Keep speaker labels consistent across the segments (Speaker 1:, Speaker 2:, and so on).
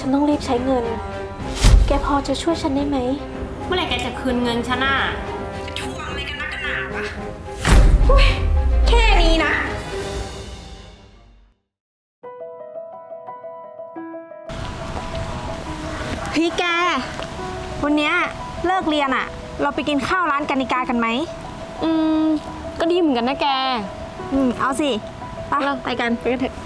Speaker 1: ฉันต้องรีบใช้เงินแกพอจะช่วยฉันได้ไหม
Speaker 2: เมื่อไหร่แกจะคืนเงินฉันน่ะ
Speaker 3: ทวงอะไรกันนักกันหนาวะแค่นี้นะพี่แกวันเนี้ยเลิกเรียนอะเราไปกินข้าวร้านกานิกากันไหม
Speaker 2: ก็ดีเหมือนกันนะแก
Speaker 3: เอาสิไปกันเถอะ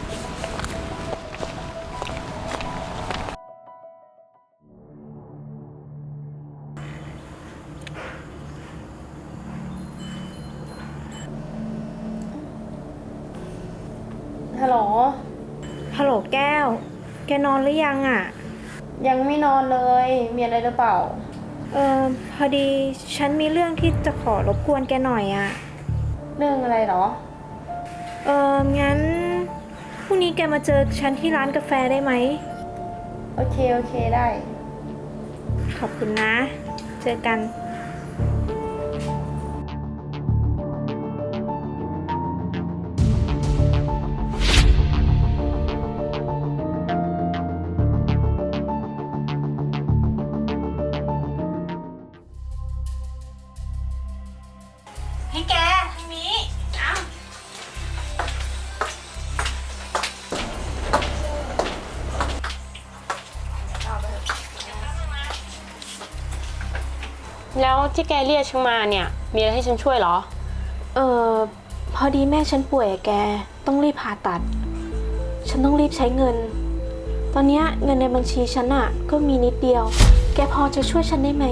Speaker 2: ฮัลโหล
Speaker 3: แก้วแกนอนหรือยังอะ
Speaker 2: ยังไม่นอนเลยมีอะไรหรือเปล่า
Speaker 3: พอดีฉันมีเรื่องที่จะขอรบกวนแกหน่อยอะ
Speaker 2: เรื่องอะไรหรอ
Speaker 3: งั้นพรุ่งนี้แกมาเจอฉันที่ร้านกาแฟได้ไหม
Speaker 2: โอเคได้
Speaker 3: ขอบคุณนะเจอกันให้แกทางนี้
Speaker 2: แล้วที่แกเรียกฉันมาเนี่ยมีอะไรให้ฉันช่วยเหรอ
Speaker 1: พอดีแม่ฉันป่วยแกต้องรีบผ่าตัดฉันต้องรีบใช้เงินตอนนี้เงินในบัญชีฉันอะก็มีนิดเดียวแกพอจะช่วยฉันได้ไหม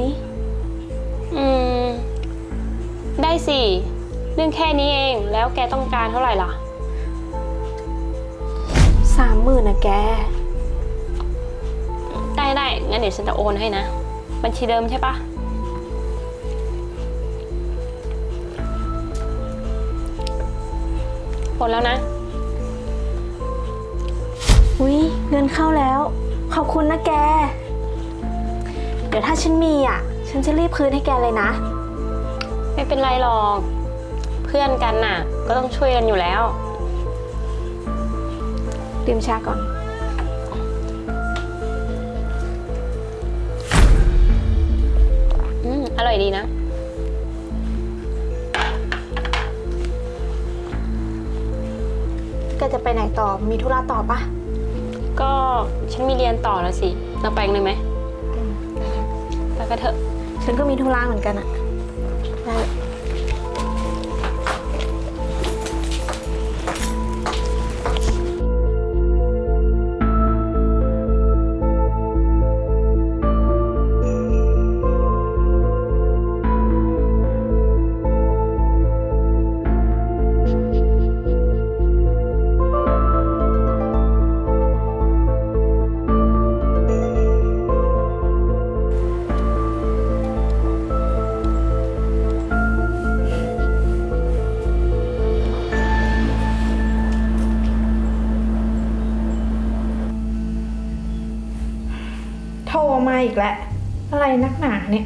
Speaker 2: ได้สิเรื่องแค่นี้เองแล้วแกต้องการเท่าไหร่ล่ะ
Speaker 1: 30,000นะแก
Speaker 2: ได้งั้นเดี๋ยวฉันจะโอนให้นะบัญชีเดิมใช่ปะโอนแล้วนะ
Speaker 1: อุ๊ยเงินเข้าแล้วขอบคุณนะแกเดี๋ยวถ้าฉันมีอะฉันจะรีบคืนให้แกเลยนะ
Speaker 2: ไม่เป็นไรหรอกเพื่อนกันน่ะก็ต้องช่วยกันอยู่แล้ว
Speaker 1: ดื่มชาก่อน
Speaker 2: อร่อยดีนะ
Speaker 1: แกจะไปไหนต่อมีธุระต่อปะ
Speaker 2: ก็ฉันมีเรียนต่อแล้วสิเราไปกันเลยไหมไปกันเถอะ
Speaker 1: ฉันก็มีธุระเหมือนกันอะได้
Speaker 3: โทรมาอีกแล้วอะไรนักหนาเนี่ย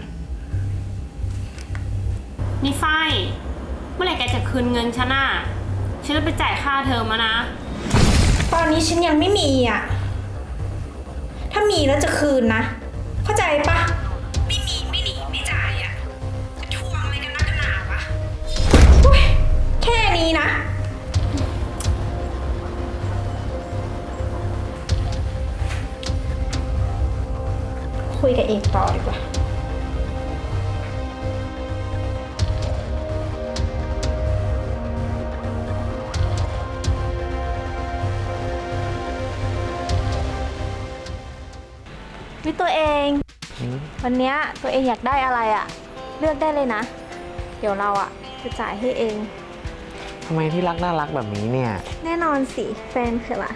Speaker 2: นี่ฝ้ายเมื่อไหร่แกจะคืนเงินฉันน่ะฉันจะไปจ่ายค่าเทอมมานะ
Speaker 3: ตอนนี้ฉันยังไม่มีอ่ะถ้ามีแล้วจะคืนนะเข้าใจปะไม่มีไม่หนีไม่จ่ายอ่ะทวงอะไรกันนักกันหนาวะแค่นี้นะคุยกับเอกต่อดีกว่า
Speaker 1: วิตัวเองวันนี้ตัวเองอยากได้อะไรอะเลือกได้เลยนะเดี๋ยวเราอะจะจ่ายให้เอง
Speaker 4: ทำไมที่รักน่ารักแบบนี้เนี่ย
Speaker 1: แน่นอนสิแฟนคือล่ะ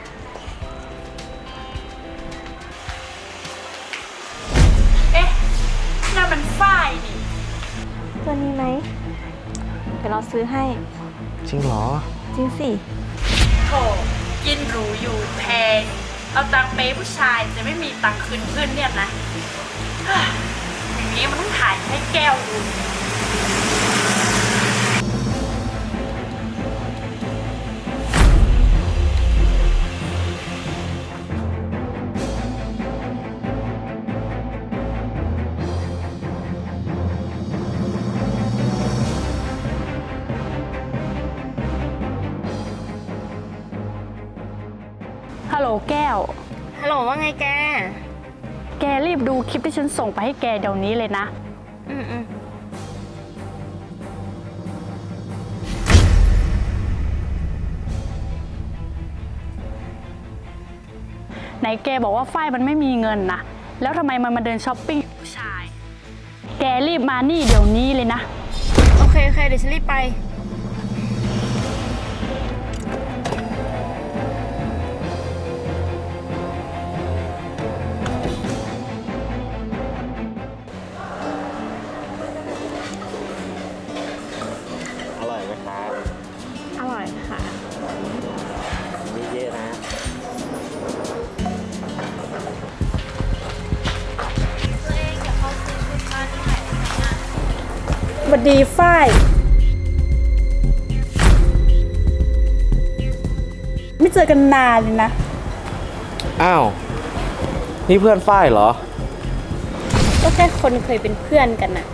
Speaker 3: น่ามันฝ้ายนี่
Speaker 1: ตัวนี้ไหมเดี๋ยวเราซื้อให้
Speaker 4: จริงเหรอ
Speaker 1: จริงสิ
Speaker 3: โถกินหรูอยู่แพงเอาตังค์เป๊ผู้ชายแต่ไม่มีตังค์คืนเพื่อนเนี่ยนะอย่างนี้มันต้องถ่ายให้แก้วดู
Speaker 5: แก้ว
Speaker 2: ฮัลโหลว่าไงแก
Speaker 5: แกรีบดูคลิปที่ฉันส่งไปให้แกเดี๋ยวนี้เลยนะ
Speaker 2: อืม
Speaker 5: ไหนแกบอกว่าฝ้ายมันไม่มีเงินนะแล้วทำไมมันมาเดินช้อปปิ้งกับผู้ชาย แกรีบมานี่เดี๋ยวนี้เลยนะ
Speaker 2: โอเคเดี๋ยวฉันรีบไป
Speaker 4: อร่อยไหมครับ
Speaker 2: อร่อยค่ะ
Speaker 4: มีเยอะนะ
Speaker 3: สวัสดีฝ้าย ไม่เจอกันนานเลยนะ
Speaker 4: อ้าว นี่เพื่อนฝ้ายเหรอ
Speaker 2: ก็แค่คนเคยเป็นเพื่อนกันน่ะ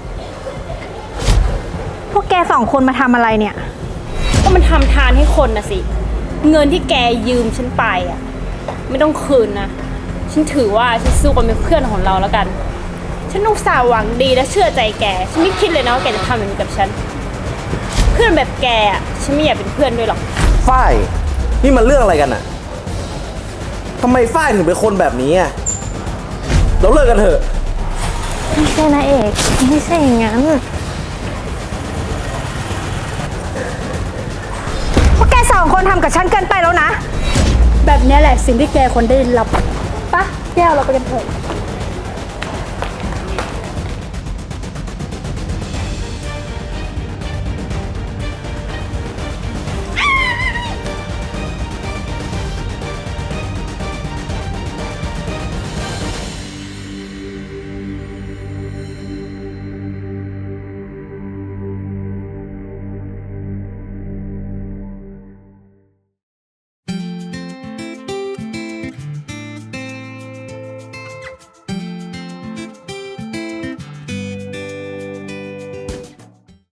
Speaker 3: พวกแกสองคนมาทำอะไรเนี่ย
Speaker 2: ก็มันทำทานให้คนนะสิ เงินที่แกยืมฉันไปอ่ะ ไม่ต้องคืนนะ ฉันถือว่าฉันสู้กันเป็นเพื่อนของเราแล้วกัน ฉันอุตส่าห์หวังดีและเชื่อใจแก ฉันไม่คิดเลยนะว่าแกจะทำแบบนี้กับฉัน เพื่อนแบบแกอ่ะ ฉันไม่อยากเป็นเพื่อนด้วยหรอก
Speaker 6: ฝ้าย นี่มันเรื่องอะไรกันอะทำไมฝ้ายถึงเป็นคนแบบนี้อะเราเลิกกันเถอะ
Speaker 1: ไม่ใช่นะเอก ไม่ใช่อย่างนั้น
Speaker 3: พวกแกสองคนทำกับฉันเกินไปแล้วนะ
Speaker 5: แบบนี้แหละสิ่งที่แกควรได้รับปะแก้วเราไปกันเถอะ